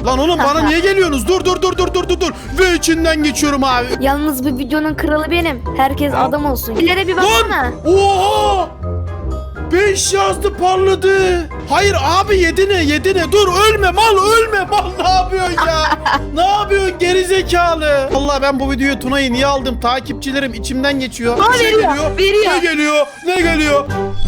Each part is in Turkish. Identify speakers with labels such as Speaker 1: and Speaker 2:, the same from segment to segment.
Speaker 1: Lan oğlum bana niye geliyorsunuz? Dur. Ve içinden geçiyorum abi.
Speaker 2: Yalnız bu videonun kralı benim. Herkes adam olsun. İleri bir baksana.
Speaker 1: Lan! Oha! 5 yazdı parladı. Hayır abi yedine. Dur ölme mal. Ne yapıyorsun ya? Ne yapıyorsun gerizekalı? Allah ben bu videoyu Tuna'yı niye aldım? Takipçilerim içimden geçiyor.
Speaker 2: Aa,
Speaker 1: Bir şey
Speaker 2: veriyor.
Speaker 1: Ne geliyor?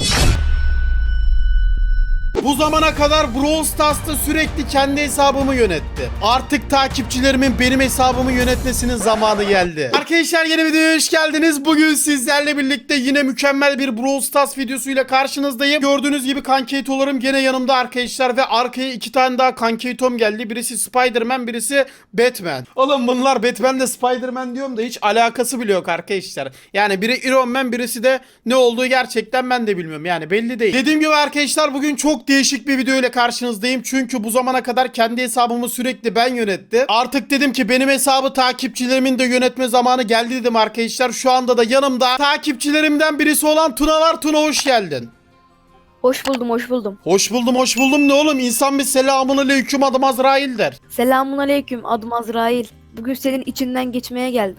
Speaker 1: Bu zamana kadar Brawl Stars'ta sürekli kendi hesabımı yönetti. Artık takipçilerimin benim hesabımı yönetmesinin zamanı geldi. Arkadaşlar yeni videoya hoş geldiniz. Bugün sizlerle birlikte yine mükemmel bir Brawl Stars videosuyla karşınızdayım. Gördüğünüz gibi kankeytolarım gene yanımda arkadaşlar ve arkaya 2 tane daha kankeytom geldi. Birisi Spider-Man, birisi Batman. Oğlum bunlar Batman'le Spider-Man diyorum da hiç alakası bile yok arkadaşlar. Yani biri Iron Man, birisi de ne olduğu gerçekten ben de bilmiyorum. Yani belli değil. Dediğim gibi arkadaşlar bugün çok değişik bir video ile karşınızdayım. Çünkü bu zamana kadar kendi hesabımı sürekli ben yönetti. Artık dedim ki benim hesabı takipçilerimin de yönetme zamanı geldi dedim arkadaşlar. Şu anda da yanımda takipçilerimden birisi olan Tuna var. Tuna hoş geldin.
Speaker 2: Hoş buldum.
Speaker 1: Hoş buldum ne oğlum? İnsan bir selamun aleyküm adım Azrail der.
Speaker 2: Selamun aleyküm. Adım Azrail. Bugün senin içinden geçmeye geldim.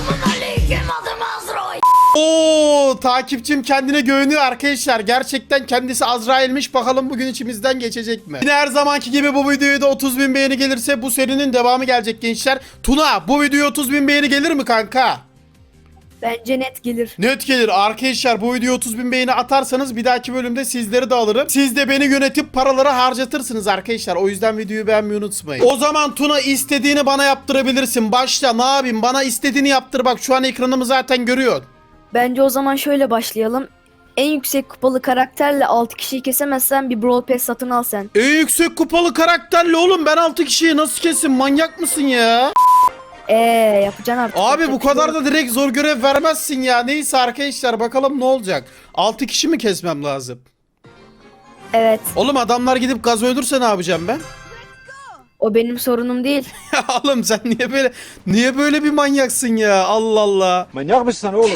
Speaker 1: Oo, takipçim kendine güveniyor arkadaşlar. Gerçekten kendisi Azrail'miş. Bakalım bugün içimizden geçecek mi? Yine her zamanki gibi bu videoya da 30.000 beğeni gelirse bu serinin devamı gelecek gençler. Tuna bu videoya 30.000 beğeni gelir mi kanka?
Speaker 2: Bence net gelir.
Speaker 1: Net gelir arkadaşlar, bu videoya 30.000 beğeni atarsanız bir dahaki bölümde sizleri de alırım. Siz de beni yönetip paraları harcatırsınız arkadaşlar. O yüzden videoyu beğenmeyi unutmayın. O zaman Tuna istediğini bana yaptırabilirsin. Başla, ne yapayım, bana istediğini yaptır. Bak şu an ekranımı zaten görüyorsun.
Speaker 2: Bence o zaman şöyle başlayalım. En yüksek kupalı karakterle 6 kişiyi kesemezsen bir Brawl Pass satın al sen.
Speaker 1: En yüksek kupalı karakterle oğlum ben 6 kişiyi nasıl kesin, manyak mısın ya?
Speaker 2: Yapacaksın artık.
Speaker 1: Abi bu kadar da direkt zor görev vermezsin ya. Neyse arkadaşlar bakalım ne olacak. 6 kişi mi kesmem lazım?
Speaker 2: Evet.
Speaker 1: Oğlum adamlar gidip gaz öldürse ne yapacağım ben?
Speaker 2: O benim sorunum değil.
Speaker 1: Ya oğlum sen niye böyle bir manyaksın ya? Allah Allah.
Speaker 3: Manyak mısın oğlum?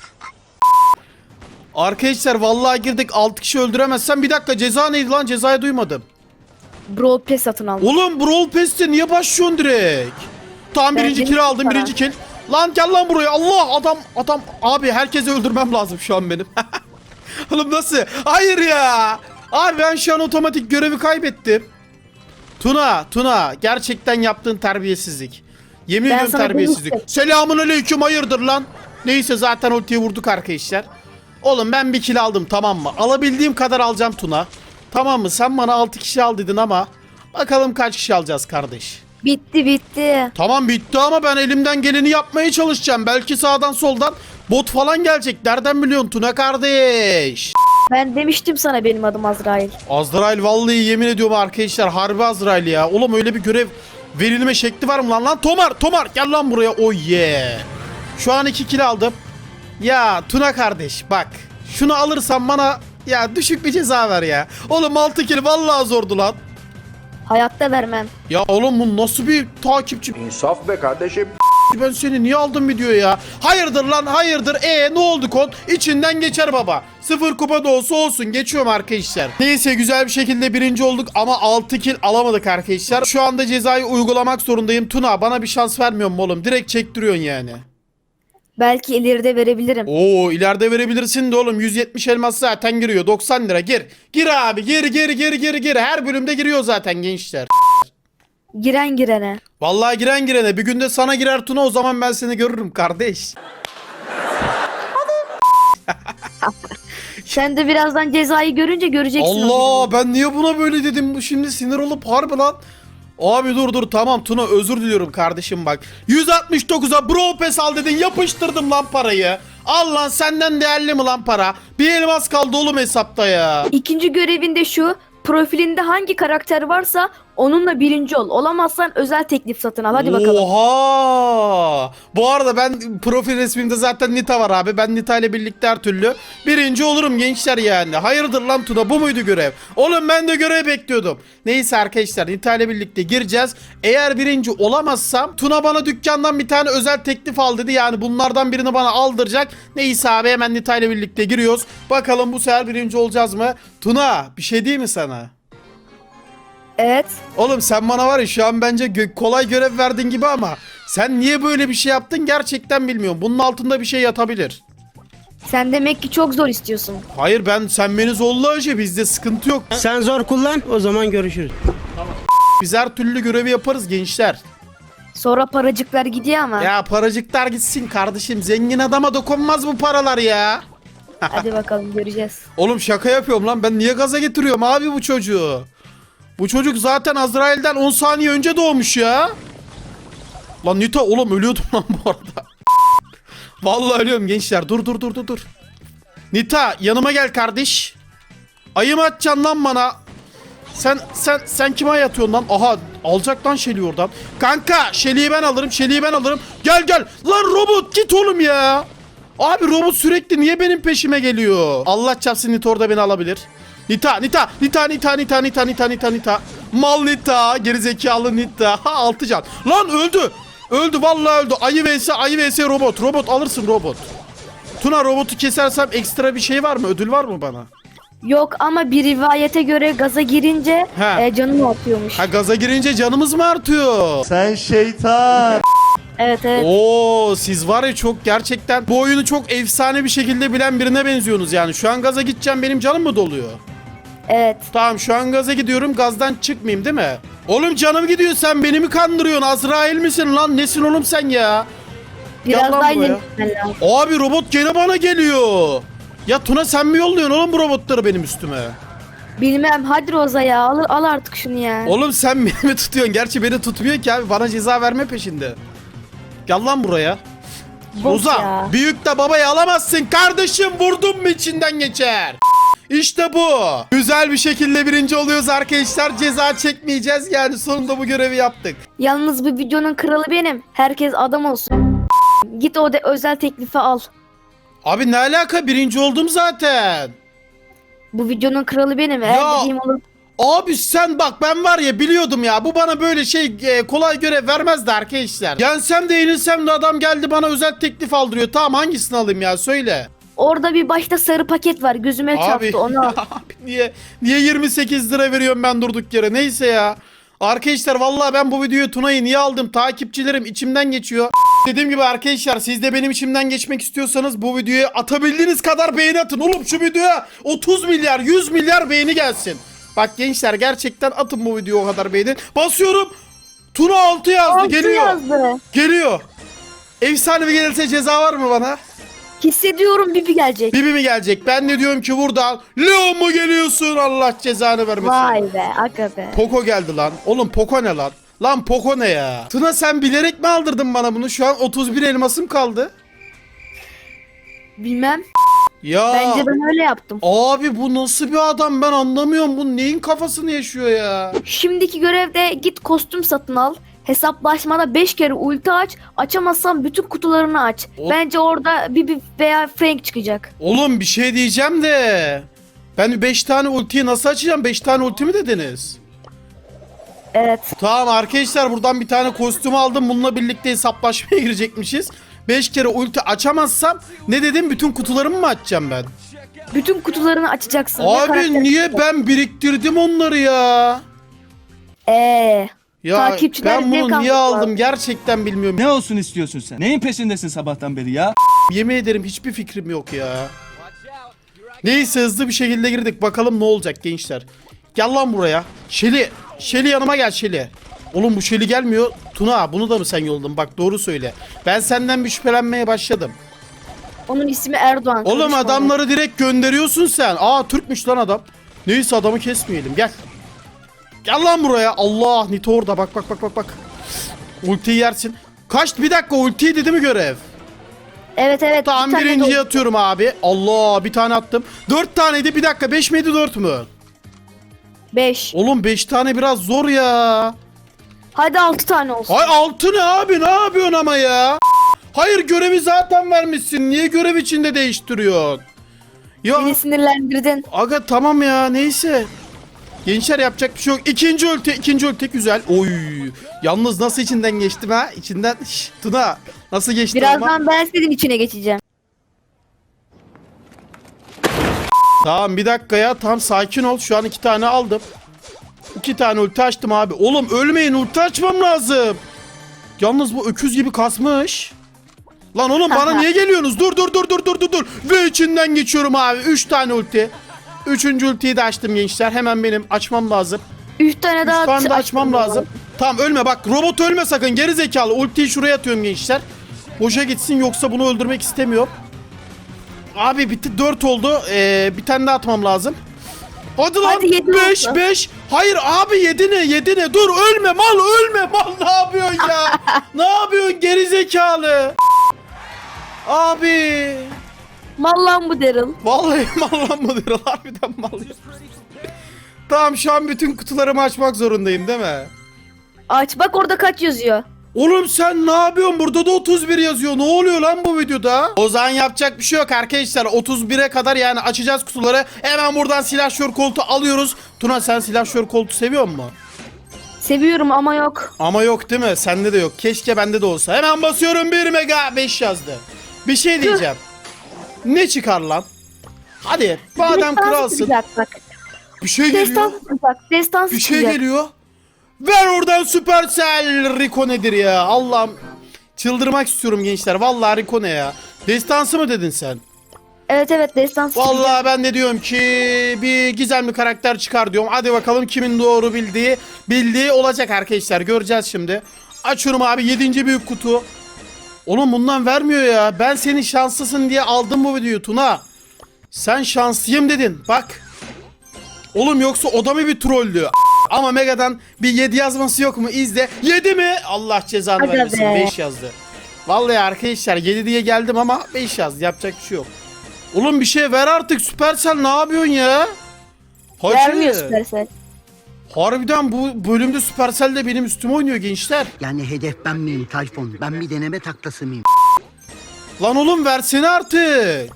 Speaker 1: Arkadaşlar vallahi girdik, 6 kişi öldüremezsem bir dakika, ceza neydi lan? Cezayı duymadım.
Speaker 2: Brawl Pass satın al.
Speaker 1: Oğlum Brawl Pass'te niye başlıyorsun direkt? Tamam
Speaker 2: Ben
Speaker 1: birinci
Speaker 2: dedim
Speaker 1: kill aldım,
Speaker 2: sana.
Speaker 1: birinci kill. Lan gel lan buraya. Allah adam abi herkesi öldürmem lazım şu an benim. Oğlum nasıl? Hayır ya. Abi ben şu an otomatik görevi kaybettim. Tuna gerçekten yaptığın terbiyesizlik. Yemin
Speaker 2: Ben
Speaker 1: ediyorum
Speaker 2: sana
Speaker 1: terbiyesizlik.
Speaker 2: demiştim.
Speaker 1: Selamun aleyküm, hayırdır lan? Neyse zaten ultiyi vurduk arkadaşlar. Oğlum ben bir kill aldım, tamam mı? Alabildiğim kadar alacağım Tuna. Tamam mı? Sen bana 6 kişi al dedin ama bakalım kaç kişi alacağız kardeş.
Speaker 2: Bitti.
Speaker 1: Tamam bitti ama ben elimden geleni yapmaya çalışacağım. Belki sağdan soldan bot falan gelecek. Nereden biliyorsun Tuna kardeş?
Speaker 2: Ben demiştim sana benim adım Azrail.
Speaker 1: Azrail vallahi yemin ediyorum arkadaşlar, harbi Azrail ya. Oğlum öyle bir görev verilme şekli var mı lan? Tomar gel lan buraya. Oh yeah. Şu an 2 kill aldım. Ya Tuna kardeş bak. Şunu alırsan bana ya düşük bir ceza ver ya. Oğlum 6 kill vallahi zordu lan.
Speaker 2: Hayatta vermem.
Speaker 1: Ya oğlum bu nasıl bir takipçi?
Speaker 3: İnsaf be kardeşim.
Speaker 1: Ben seni niye aldım video ya? Hayırdır lan hayırdır. Ne oldu kod? İçinden geçer baba. 0 kupa da olsun geçiyorum arkadaşlar. Neyse güzel bir şekilde birinci olduk ama 6 kill alamadık arkadaşlar. Şu anda cezayı uygulamak zorundayım. Tuna bana bir şans vermiyor mu oğlum? Direkt çektiriyorsun yani.
Speaker 2: Belki ileride verebilirim.
Speaker 1: Oo ileride verebilirsin de oğlum, 170 elmas zaten giriyor, 90 lira gir abi gir, her bölümde giriyor zaten gençler.
Speaker 2: Giren girene.
Speaker 1: Vallahi giren girene, bir günde sana girer Tuna, o zaman ben seni görürüm kardeş.
Speaker 2: Sen de birazdan cezayı görünce göreceksin.
Speaker 1: Allah ben niye buna böyle dedim, bu şimdi sinir olup harbi lan. Abi dur tamam Tuna, özür diliyorum kardeşim bak. 169'a Brawl Pass al dedin, yapıştırdım lan parayı. Al lan, senden değerli mi lan para? Bir elmas kaldı oğlum hesapta ya.
Speaker 2: İkinci görevinde şu. Profilinde hangi karakter varsa onunla birinci ol. Olamazsan özel teklif satın al. Hadi bakalım.
Speaker 1: Oha! Bu arada ben profil resmimde zaten Nita var abi. Ben Nita ile birlikte her türlü birinci olurum gençler yani. Hayırdır lan Tuna, bu muydu görev? Oğlum ben de görev bekliyordum. Neyse arkadaşlar, Nita ile birlikte gireceğiz. Eğer birinci olamazsam Tuna bana dükkandan bir tane özel teklif al dedi. Yani bunlardan birini bana aldıracak. Neyse abi hemen Nita ile birlikte giriyoruz. Bakalım bu sefer birinci olacağız mı? Tuna bir şey değil mi sana?
Speaker 2: Evet.
Speaker 1: Oğlum sen bana var ya şu an bence kolay görev verdin gibi ama sen niye böyle bir şey yaptın gerçekten bilmiyorum. Bunun altında bir şey yatabilir.
Speaker 2: Sen demek ki çok zor istiyorsun.
Speaker 1: Hayır sen beni zorla önce bizde sıkıntı yok.
Speaker 4: Sen zor kullan, o zaman görüşürüz.
Speaker 1: Biz her türlü görevi yaparız gençler.
Speaker 2: Sonra paracıklar gidiyor ama.
Speaker 1: Ya paracıklar gitsin kardeşim, zengin adama dokunmaz bu paralar ya.
Speaker 2: Hadi bakalım göreceğiz.
Speaker 1: Oğlum şaka yapıyorum lan, ben niye gaza getiriyorum abi bu çocuğu? Bu çocuk zaten Azrail'den 10 saniye önce doğmuş ya. Lan Nita oğlum ölüyordum lan bu arada. Vallahi ölüyorum gençler, dur. Nita yanıma gel kardeş. Ayı mı atacaksın lan bana? Sen kime ay atıyorsun lan? Aha alacak lan Shelly'i oradan. Kanka Shelly'i ben alırım. Gel. Lan robot git oğlum ya. Abi robot sürekli niye benim peşime geliyor? Allah çarpsın Nita orada beni alabilir. Nita. Mal Nita, gerizekalı Nita. Ha 6 can. Lan öldü vallahi öldü. Ayı vs robot. Robot alırsın robot. Tuna robotu kesersem ekstra bir şey var mı? Ödül var mı bana?
Speaker 2: Yok ama bir rivayete göre gaza girince
Speaker 1: He.
Speaker 2: canım atıyormuş.
Speaker 1: Ha gaza girince canımız mı artıyor?
Speaker 5: Sen şeytan.
Speaker 2: Evet.
Speaker 1: Oo siz var ya çok gerçekten bu oyunu çok efsane bir şekilde bilen birine benziyorsunuz yani. Şu an gaza gideceğim, benim canım mı doluyor?
Speaker 2: Evet.
Speaker 1: Tamam şu an gaza gidiyorum, gazdan çıkmayayım değil mi? Oğlum canım gidiyor, sen beni mi kandırıyorsun? Azrail misin lan? Nesin oğlum sen ya?
Speaker 2: Biraz
Speaker 1: Gel lan
Speaker 2: daha
Speaker 1: buraya.
Speaker 2: ilerletmen lazım.
Speaker 1: Abi robot gene bana geliyor. Ya Tuna sen mi yolluyorsun oğlum bu robotları benim üstüme?
Speaker 2: Bilmem, hadi Roza ya, al artık şunu ya.
Speaker 1: Oğlum sen beni mi tutuyorsun? Gerçi beni tutmuyor ki abi, bana ceza verme peşinde. Gel lan buraya.
Speaker 2: Bok
Speaker 1: Roza
Speaker 2: ya.
Speaker 1: büyük de babayı alamazsın kardeşim, vurdun mu içinden geçer. İşte bu. Güzel bir şekilde birinci oluyoruz arkadaşlar. Ceza çekmeyeceğiz yani, sonunda bu görevi yaptık.
Speaker 2: Yalnız bu videonun kralı benim. Herkes adam olsun. Git o özel teklifi al.
Speaker 1: Abi ne alaka, birinci oldum zaten.
Speaker 2: Bu videonun kralı benim. Eğer
Speaker 1: Ya.
Speaker 2: dediğim olur.
Speaker 1: Abi sen bak, ben var ya biliyordum ya, bu bana böyle kolay görev vermezdi arkadaşlar. Yensem de yenilsem de adam geldi bana özel teklif aldırıyor. Tamam hangisini alayım ya, söyle.
Speaker 2: Orada bir başta sarı paket var. Gözüme
Speaker 1: Abi,
Speaker 2: çarptı, onu al.
Speaker 1: abi niye 28 lira veriyorum ben durduk yere, neyse ya. Arkadaşlar vallahi ben bu videoyu Tuna'yı niye aldım, takipçilerim içimden geçiyor. Dediğim gibi arkadaşlar, siz de benim içimden geçmek istiyorsanız bu videoya atabildiğiniz kadar beğeni atın. Oğlum şu videoya 30 milyar 100 milyar beğeni gelsin. Bak gençler gerçekten atın bu videoya o kadar beğeni. Basıyorum. Tuna 6 yazdı,
Speaker 2: Altı
Speaker 1: geliyor.
Speaker 2: yazdı.
Speaker 1: Geliyor. Efsanevi gelirse ceza var mı bana?
Speaker 2: Hissediyorum Bibi gelecek.
Speaker 1: Bibi mi gelecek? Ben de diyorum ki buradan Leon mu geliyorsun? Allah cezanı vermesin.
Speaker 2: Vay be, aga be.
Speaker 1: Poco geldi lan. Oğlum Poco ne lan? Lan Poco ne ya? Tuna sen bilerek mi aldırdın bana bunu? Şu an 31 elmasım kaldı.
Speaker 2: Bilmem.
Speaker 1: Ya.
Speaker 2: Bence ben öyle yaptım.
Speaker 1: Abi bu nasıl bir adam, ben anlamıyorum. Bu neyin kafasını yaşıyor ya?
Speaker 2: Şimdiki görevde git kostüm satın al. Hesaplaşmada 5 kere ulti aç. Açamazsan bütün kutularını aç.
Speaker 1: O-
Speaker 2: Bence orada Bibi veya Frank çıkacak.
Speaker 1: Oğlum bir şey diyeceğim de. Ben 5 tane ultiyi nasıl açacağım? 5 tane ulti mi dediniz?
Speaker 2: Evet.
Speaker 1: Tamam arkadaşlar, buradan bir tane kostüm aldım. Bununla birlikte hesaplaşmaya girecekmişiz. 5 kere ulti açamazsam ne dedim, bütün kutularımı mı açacağım ben?
Speaker 2: Bütün kutularını açacaksın. Ve
Speaker 1: Abi
Speaker 2: karakter
Speaker 1: niye
Speaker 2: çıkacak.
Speaker 1: ben biriktirdim onları ya?
Speaker 2: Ya
Speaker 1: ben
Speaker 2: takipçiler zevk
Speaker 1: bunu niye
Speaker 2: almak
Speaker 1: aldım
Speaker 2: lazım.
Speaker 1: gerçekten bilmiyorum.
Speaker 5: Ne olsun istiyorsun sen? Neyin peşindesin sabahtan beri ya?
Speaker 1: Yemin ederim hiçbir fikrim yok ya. Neyse hızlı bir şekilde girdik. Bakalım ne olacak gençler. Gel lan buraya. Shelly yanıma gel Shelly. Oğlum bu Shelly gelmiyor. Tuna bunu da mı sen yolladın? Bak doğru söyle. Ben senden bir şüphelenmeye başladım.
Speaker 2: Onun ismi Erdoğan.
Speaker 1: Oğlum
Speaker 2: konuşma.
Speaker 1: adamları direkt gönderiyorsun sen. Aa Türkmüş lan adam. Neyse adamı kesmeyelim, gel. Gel lan buraya. Allah Nito orada, bak. Ultiyi yersin. Bir dakika, ultiyi dedi mi görev?
Speaker 2: Evet.
Speaker 1: Tamam
Speaker 2: bir tane
Speaker 1: birinciye
Speaker 2: de-
Speaker 1: atıyorum abi. Allah bir tane attım. 4 taneydi, bir dakika 5 miydi 4 mü?
Speaker 2: 5.
Speaker 1: Oğlum 5 tane biraz zor ya.
Speaker 2: Hadi 6 tane olsun.
Speaker 1: Ay 6 ne abi, ne yapıyorsun ama ya? Hayır görevi zaten vermişsin. Niye görev içinde değiştiriyorsun? Ya
Speaker 2: Beni sinirlendirdin.
Speaker 1: aga tamam ya, neyse. Gençler yapacak bir şey yok. İkinci ulti güzel. Oy. Yalnız nasıl içinden geçtim ha? İçinden Tuna nasıl geçti ama?
Speaker 2: Birazdan ben senin içine geçeceğim.
Speaker 1: Tamam bir dakika ya, tam sakin ol. Şu an 2 tane aldım. 2 tane ulti açtım abi. Oğlum ölmeyin, ulti açmam lazım. Yalnız bu öküz gibi kasmış. Lan oğlum bana niye geliyorsunuz? Dur. Ve içinden geçiyorum abi. 3 tane ulti. 3. ultiyi de açtım gençler. Hemen benim açmam lazım.
Speaker 2: 3 tane
Speaker 1: 3
Speaker 2: daha
Speaker 1: tane de açmam
Speaker 2: açtım.
Speaker 1: lazım. Tamam ölme bak. Robot ölme sakın. Geri zekalı. Ultiyi şuraya atıyorum gençler. Boşa gitsin yoksa bunu öldürmek istemiyorum. Abi bitti. 4 oldu. Bir tane daha atmam lazım. Hadi lan.
Speaker 2: Hadi, 7
Speaker 1: 5
Speaker 2: oldu.
Speaker 1: 5. Hayır abi 7 ne? Dur ölme mal. Mal ne yapıyorsun ya? Ne yapıyorsun geri zekalı? Abi.
Speaker 2: Mal lan bu Daryl.
Speaker 1: Vallahi mal lan mıdır? Harbiden mal. Tamam şu an bütün kutularımı açmak zorundayım değil mi?
Speaker 2: Aç bak orada kaç yazıyor.
Speaker 1: Oğlum sen ne yapıyorsun? Burada da 31 yazıyor. Ne oluyor lan bu videoda? O zaman yapacak bir şey yok arkadaşlar. 31'e kadar yani açacağız kutuları. Hemen buradan silahşör koltuğu alıyoruz. Tuna sen silahşör koltuğu seviyor musun?
Speaker 2: Seviyorum ama yok.
Speaker 1: Ama yok değil mi? Sende de yok. Keşke bende de olsa. Hemen basıyorum 1 mega 5 yazdı. Bir şey diyeceğim. Ne çıkar lan? Hadi madem
Speaker 2: Destan
Speaker 1: kralsın.
Speaker 2: çıkacak bak.
Speaker 1: Bir şey
Speaker 2: Destan
Speaker 1: geliyor.
Speaker 2: çıkacak. Destan
Speaker 1: Bir şey
Speaker 2: çıkacak.
Speaker 1: geliyor. Ver oradan Supercell. Rico nedir ya? Allah'ım. Çıldırmak istiyorum gençler. Vallahi Rico ne ya? Destansı mı dedin sen?
Speaker 2: Evet destan çıkacak.
Speaker 1: Vallahi ben de diyorum ki bir gizemli karakter çıkar diyorum. Hadi bakalım kimin doğru bildiği olacak arkadaşlar. Göreceğiz şimdi. Açıyorum abi 7. büyük kutu. Oğlum bundan vermiyor ya. Ben senin şanslısın diye aldım bu videoyu Tuna. Sen şanslıyım dedin. Bak. Oğlum yoksa o da mı bir trolldü? Ama Mega'dan bir 7 yazması yok mu? İzle. 7 mi? Allah cezanı
Speaker 2: Hadi
Speaker 1: vermesin.
Speaker 2: be.
Speaker 1: 5 yazdı. Vallahi arkadaşlar 7 diye geldim ama 5 yazdı. Yapacak bir şey yok. Oğlum bir şey ver artık. Supercell ne yapıyorsun ya? Hacı.
Speaker 2: Vermiyor Supercell.
Speaker 1: Harbiden bu bölümde Supercell de benim üstüme oynuyor gençler.
Speaker 6: Yani hedef ben miyim Tayfun? Ben bir deneme taklası mıyım?
Speaker 1: Lan oğlum versene artık.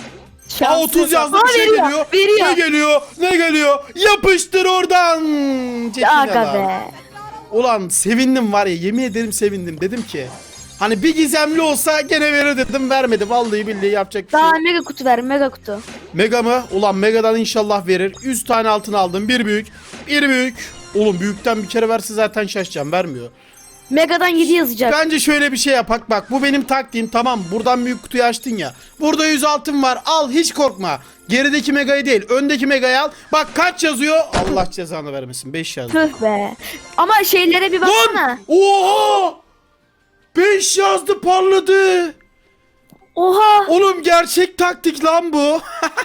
Speaker 1: Aa 30 yazdı bir şey
Speaker 2: veriyor,
Speaker 1: geliyor.
Speaker 2: veriyor.
Speaker 1: Ne geliyor? Yapıştır oradan. Çekil
Speaker 2: Aga
Speaker 1: lan.
Speaker 2: be.
Speaker 1: Ulan sevindim var ya, yemin ederim sevindim. Dedim ki hani bir gizemli olsa gene verir dedim, vermedi. Vallahi billahi yapacak bir şey
Speaker 2: Daha
Speaker 1: yok.
Speaker 2: mega kutu ver mega kutu.
Speaker 1: Mega mı? Ulan Mega'dan inşallah verir. 100 tane altın aldım. Bir büyük. Oğlum büyükten bir kere verse zaten şaşacağım. Vermiyor.
Speaker 2: Megadan 7 yazacak.
Speaker 1: Bence şöyle bir şey yapak. Bak bu benim taktiğim, tamam. Buradan büyük kutuyu açtın ya. Burada 100 altın var. Al hiç korkma. Gerideki Mega'yı değil, öndeki Mega'yı al. Bak kaç yazıyor? Allah cezanı vermesin. 5 yazdı.
Speaker 2: Tüh be. Ama şeylere bir baksana.
Speaker 1: Lan! Oha! 5 yazdı, parladı.
Speaker 2: Oha.
Speaker 1: Oğlum gerçek taktik lan bu.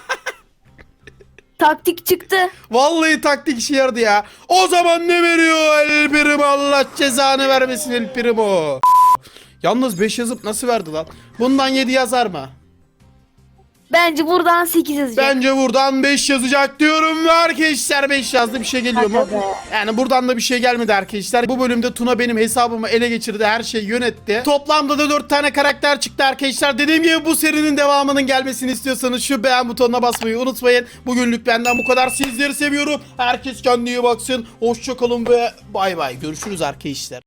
Speaker 2: Taktik çıktı.
Speaker 1: Vallahi taktik işe yaradı ya. O zaman ne veriyor El Primo? Allah cezanı vermesin El Primo. Yalnız 5 yazıp nasıl verdi lan? Bundan 7 yazar mı?
Speaker 2: Bence buradan 8 yazacak.
Speaker 1: Bence buradan 5 yazacak diyorum ve arkadaşlar 5 yazdı, bir şey geliyor mu?
Speaker 2: Hadi be.
Speaker 1: Yani buradan da bir şey gelmedi arkadaşlar. Bu bölümde Tuna benim hesabımı ele geçirdi, her şeyi yönetti. Toplamda da 4 tane karakter çıktı arkadaşlar. Dediğim gibi bu serinin devamının gelmesini istiyorsanız şu beğen butonuna basmayı unutmayın. Bugünlük benden bu kadar. Sizleri seviyorum. Herkes kendine iyi baksın. Hoşça kalın ve bay bay. Görüşürüz arkadaşlar.